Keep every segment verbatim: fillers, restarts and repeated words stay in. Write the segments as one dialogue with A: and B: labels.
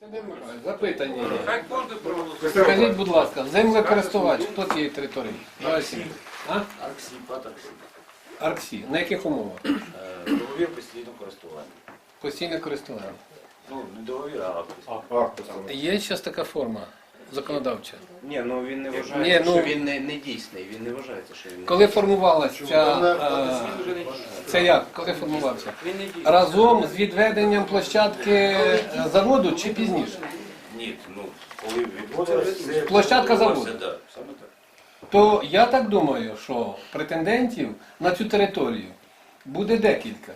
A: Запитання є.
B: Хай кожен проголосує.
A: Скажіть, будь ласка, землекористувач, хто цієї території?
C: Арксі.
A: А?
C: Арксі, ПАТ Арксі.
A: Арксі. На яких умовах?
C: Е, Договір постійного користування.
A: Постійне користування.
C: Ну, не договір, а акт.
A: Є зараз така форма законодавча?
D: Ні, ну він не
A: Ні,
D: вважає,
A: ну-
D: що він не, не дійсний, він не вважається, що він не
A: Коли формувалася ця... е, Це як? Коли формувався?
B: Він не діє.
A: Разом з відведенням площадки е, заводу чи пізніше?
C: Ні, ну, коли відводилося...
A: Площадка заводу.
C: Так, саме так.
A: То я так думаю, що претендентів на цю територію буде декілька.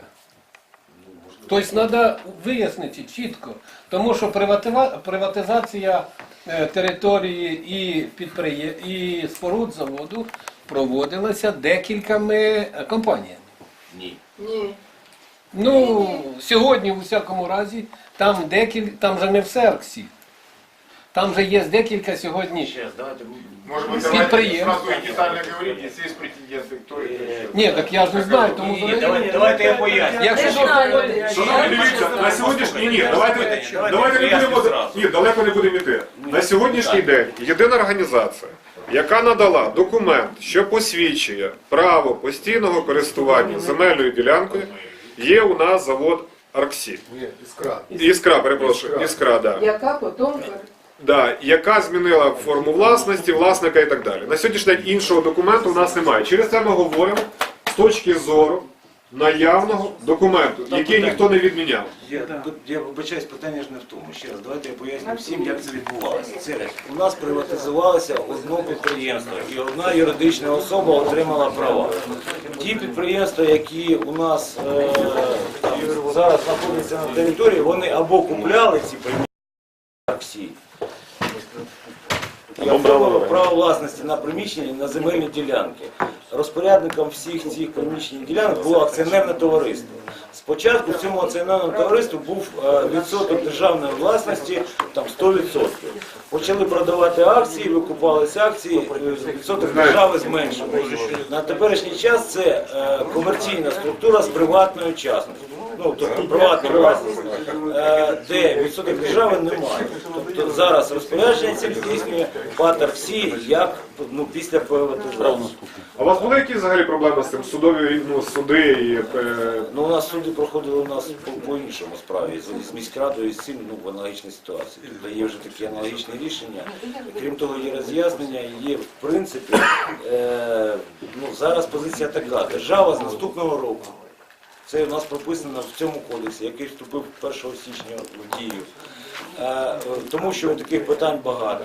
A: Тобто треба вияснити чітко, тому що приватива- приватизація е, території і, підприє... і споруд заводу проводилася декількома е, компаніями.
C: Ні.
A: Ну, сьогодні, у всякому разі, там, декіль... там же не все Арксі. Там же є декілька сьогодні.
C: Ще раз, давайте...
E: Может быть,
A: Скид
E: давайте
A: прием.
E: сразу и детально говорить, если есть претенденты, кто это еще.
A: Ні, так я ж не знаю, тому
C: Ні, ні, давайте, давайте я поясню.
A: якщо
E: Шановні, дивіться, на сьогоднішній ні, давайте, давайте не будемо, ні, далеко не будемо йти. На сьогоднішній день єдина організація, яка надала документ, що посвідчує право постійного користування земельною ділянкою, є у нас завод Арксі.
F: Іскра.
E: Іскра, перепрошую, Іскра, да.
G: Яка потім
E: Да, яка змінила форму власності, власника і так далі. На сьогоднішній день іншого документу у нас немає. Через це ми говоримо з точки зору наявного документу, який ніхто не відміняв.
C: Я, тут, я вибачаюсь, питання ж не в тому. Ще раз, давайте я поясню всім, як це відбувалося. Це у нас приватизувалося одне підприємство, і одна юридична особа отримала права. Ті підприємства, які у нас е, зараз знаходяться на території, вони або купляли ці приміщення Арксі, і оформили право власності на приміщення, на земельні ділянки. Розпорядником всіх цих приміщень ділянок було акціонерне товариство. Спочатку в цьому акціонерному товаристві був е, відсоток державної власності там сто відсотків. Почали продавати акції, викупалися акції, е, відсоток держави зменшився. На теперішній час це е, комерційна структура з приватною частністю. Ну, тобто приватна власність, е, де відсоток держави немає. Тобто зараз розпорядження це здійснює ПАТ Арксі як ну, після приватизації.
E: А у вас були якісь взагалі проблеми з цим? Судові ну, суди і... Е...
C: Ну, у нас суди проходили у нас по, по іншому справі, з, з міськрадою і з цим ну, в аналогічній ситуації. Тобто є вже такі аналогічні рішення. Крім того, є роз'яснення, є в принципі, е, ну, зараз позиція така. Держава з наступного року. Це у нас прописано в цьому кодексі, який вступив першого січня в дію. Е, тому що таких питань багато.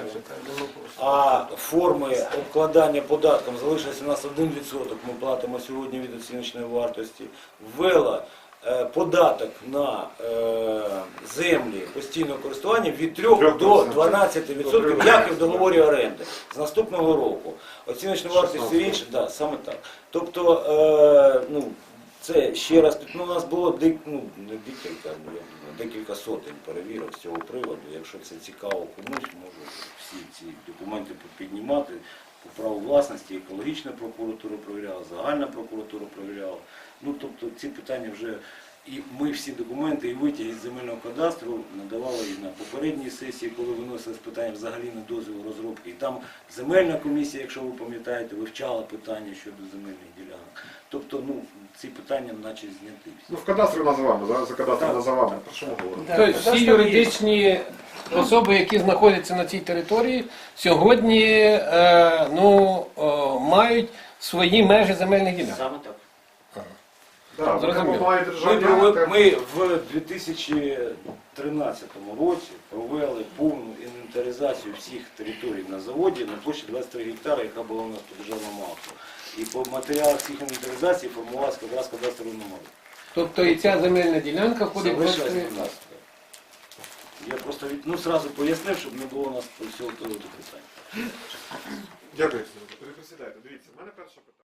C: А форми обкладання податком залишилося у нас один відсоток, ми платимо сьогодні від оціночної вартості. Ввела е, податок на е, землі постійного користування від трьох до дванадцяти відсотків, як і в договорі оренди, з наступного року. Оціночна вартість все інше, да, саме так. Тобто, е, ну, це ще раз, ну, у нас було дек, ну, не декілька, ну, я думаю, декілька сотень перевірок з цього приводу. Якщо це цікаво комусь, можу всі ці документи піднімати. По праву власності екологічна прокуратура перевіряла, загальна прокуратура перевіряла. Ну, тобто ці питання вже, і ми всі документи і витяги з земельного кадастру надавали і на попередній сесії, коли виносили з питання взагалі на дозвіл розробки. І там земельна комісія, якщо ви пам'ятаєте, вивчала питання щодо земельних ділянок. Тобто, ну, ці питання наче зняти.
E: Ну, в кадастрі називаємо, за, за кадастром називаємо. Про що ми говоримо?
A: Тобто всі юридичні особи, які знаходяться на цій території, сьогодні е, ну, е, мають свої межі земельних ділянок.
C: Саме так.
E: Да,
A: Зрозуміло.
E: має
C: Ми,
E: державні
C: провели-
E: акти.
C: ми в дві тисячі тринадцятому році провели повну інвентаризацію всіх територій на заводі на площі двадцять три гектари, яка була у нас по державному акту. І по матеріалах всіх інвентаризацій формувалася якраз кадастровий номер.
A: Тобто і ця земельна ділянка входить в
C: Залишилось
A: кошти.
C: тринадцяте. Я просто від, ну, сразу пояснив, щоб не було у нас всього того питання.
E: Дякую. Переприсідайте. Дивіться, в мене перше питання.